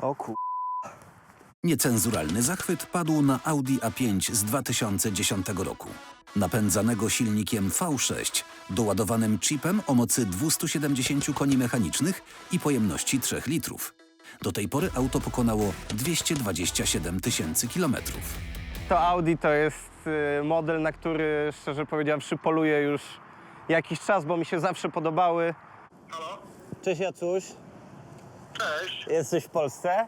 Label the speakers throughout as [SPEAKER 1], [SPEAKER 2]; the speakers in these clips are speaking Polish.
[SPEAKER 1] O kur...
[SPEAKER 2] Niecenzuralny zachwyt padł na Audi A5 z 2010 roku. Napędzanego silnikiem V6, doładowanym chipem o mocy 270 koni mechanicznych i pojemności 3 litrów. Do tej pory auto pokonało 227 000 kilometrów.
[SPEAKER 1] To Audi to jest model, na który szczerze powiedziawszy poluję już jakiś czas, bo mi się zawsze podobały.
[SPEAKER 3] Halo?
[SPEAKER 1] Cześć Jacuś,
[SPEAKER 3] Cześć.
[SPEAKER 1] jesteś w Polsce?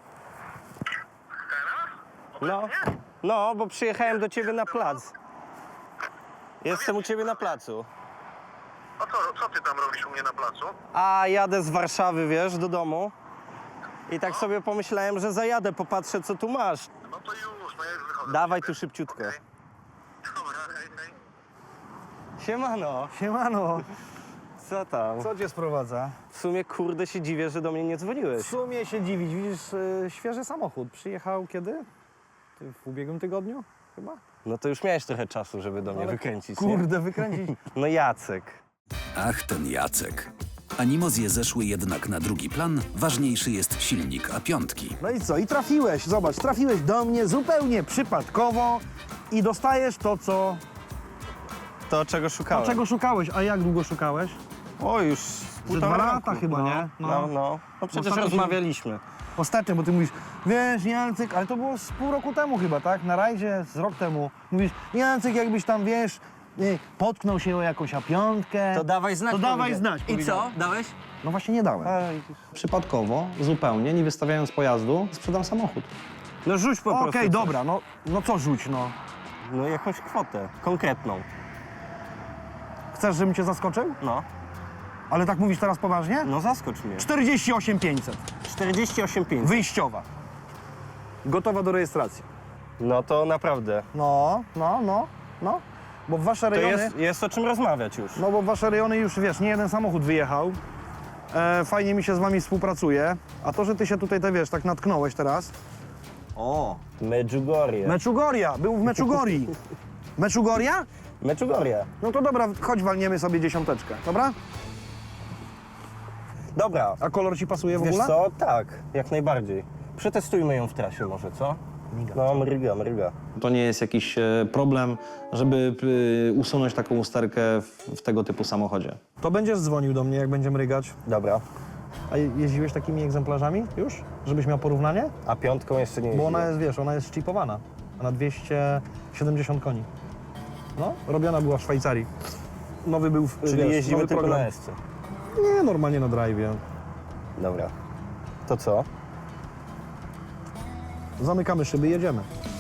[SPEAKER 3] Teraz?
[SPEAKER 1] No, bo przyjechałem do ciebie na plac. Jestem u ciebie na placu.
[SPEAKER 3] A co ty tam robisz u mnie na placu?
[SPEAKER 1] A jadę z Warszawy, wiesz, do domu. I tak sobie pomyślałem, że zajadę, popatrzę co tu masz.
[SPEAKER 3] No to już, no ja już wychodzę.
[SPEAKER 1] Dawaj tu szybciutko.
[SPEAKER 3] Okej. Dobra, hej, hej.
[SPEAKER 1] Siemano,
[SPEAKER 4] Siemano,
[SPEAKER 1] co tam?
[SPEAKER 4] co cię sprowadza?
[SPEAKER 1] W sumie kurde się dziwię, że do mnie nie
[SPEAKER 4] W
[SPEAKER 1] dzwoniłeś.
[SPEAKER 4] sumie się dziwić, widzisz, świeży samochód. Przyjechał kiedy? W ubiegłym tygodniu chyba?
[SPEAKER 1] No to już miałeś trochę czasu, żeby do mnie
[SPEAKER 4] Ale
[SPEAKER 1] wykręcić, nie?
[SPEAKER 4] Kurde, wykręcić.
[SPEAKER 1] No Jacek.
[SPEAKER 2] Ach, ten Jacek. Animozje zeszły jednak na drugi plan, ważniejszy jest silnik A5.
[SPEAKER 4] No i co? I trafiłeś, zobacz, trafiłeś do mnie zupełnie przypadkowo i dostajesz
[SPEAKER 1] To czego szukałem?
[SPEAKER 4] czego szukałeś. A jak długo szukałeś?
[SPEAKER 1] O, już
[SPEAKER 4] Ze 2 lata chyba, nie?
[SPEAKER 1] No. No przecież
[SPEAKER 4] Ostatnio się-
[SPEAKER 1] rozmawialiśmy.
[SPEAKER 4] Ostatnio, bo ty mówisz, wiesz, Jacek, ale to było z pół roku temu chyba, tak? Na rajdzie z rok temu. Mówisz, Jacek, jakbyś tam, wiesz, potknął się o jakąś A5.
[SPEAKER 1] To dawaj znać.
[SPEAKER 4] To dawaj
[SPEAKER 1] powiedziałem.
[SPEAKER 4] znać,
[SPEAKER 1] I co?
[SPEAKER 4] powiedziałem.
[SPEAKER 1] Dałeś?
[SPEAKER 4] No właśnie nie dałem. Przypadkowo, zupełnie, nie wystawiając pojazdu, sprzedam samochód.
[SPEAKER 1] No rzuć po prostu.
[SPEAKER 4] Okej,
[SPEAKER 1] coś.
[SPEAKER 4] dobra, no co rzuć, no.
[SPEAKER 1] No jakąś kwotę konkretną.
[SPEAKER 4] Chcesz, żebym cię zaskoczył?
[SPEAKER 1] No.
[SPEAKER 4] Ale tak mówisz teraz poważnie?
[SPEAKER 1] No zaskocz mnie.
[SPEAKER 4] 48 500.
[SPEAKER 1] 48,5.
[SPEAKER 4] Wyjściowa. Gotowa do rejestracji.
[SPEAKER 1] No to naprawdę.
[SPEAKER 4] No. Bo w wasze
[SPEAKER 1] To
[SPEAKER 4] rejony...
[SPEAKER 1] jest o czym rozmawiać już.
[SPEAKER 4] No bo w wasze rejony już, wiesz, nie jeden samochód wyjechał. Fajnie mi się z wami współpracuje. A to, że ty się tutaj, wiesz, tak natknąłeś teraz... O!
[SPEAKER 1] Medjugorje.
[SPEAKER 4] Meczugoria! Był w Meczugorii. Meczugoria?
[SPEAKER 1] Medjugorje.
[SPEAKER 4] No to dobra, chodź walniemy sobie 10, dobra?
[SPEAKER 1] Dobra.
[SPEAKER 4] A kolor ci pasuje w
[SPEAKER 1] Wiesz
[SPEAKER 4] ogóle?
[SPEAKER 1] co? Tak, jak najbardziej. Przetestujmy ją w trasie może, co? No, mryga.
[SPEAKER 5] To nie jest jakiś problem, żeby usunąć taką usterkę w tego typu samochodzie.
[SPEAKER 4] To będziesz dzwonił do mnie, jak będziemy rygać.
[SPEAKER 1] Dobra.
[SPEAKER 4] A jeździłeś takimi egzemplarzami już? Żebyś miał porównanie?
[SPEAKER 1] A piątką jeszcze nie
[SPEAKER 4] Bo
[SPEAKER 1] jeździłem.
[SPEAKER 4] ona jest, wiesz, ona jest szczypowana. Na 270 koni. No, robiona była w Szwajcarii. Nowy był,
[SPEAKER 1] Czyli
[SPEAKER 4] wiesz,
[SPEAKER 1] jeździmy
[SPEAKER 4] nowy
[SPEAKER 1] tylko
[SPEAKER 4] program.
[SPEAKER 1] na S-ce.
[SPEAKER 4] Nie, normalnie na drive'ie.
[SPEAKER 1] Dobra. To co?
[SPEAKER 4] Zamykamy szyby, jedziemy.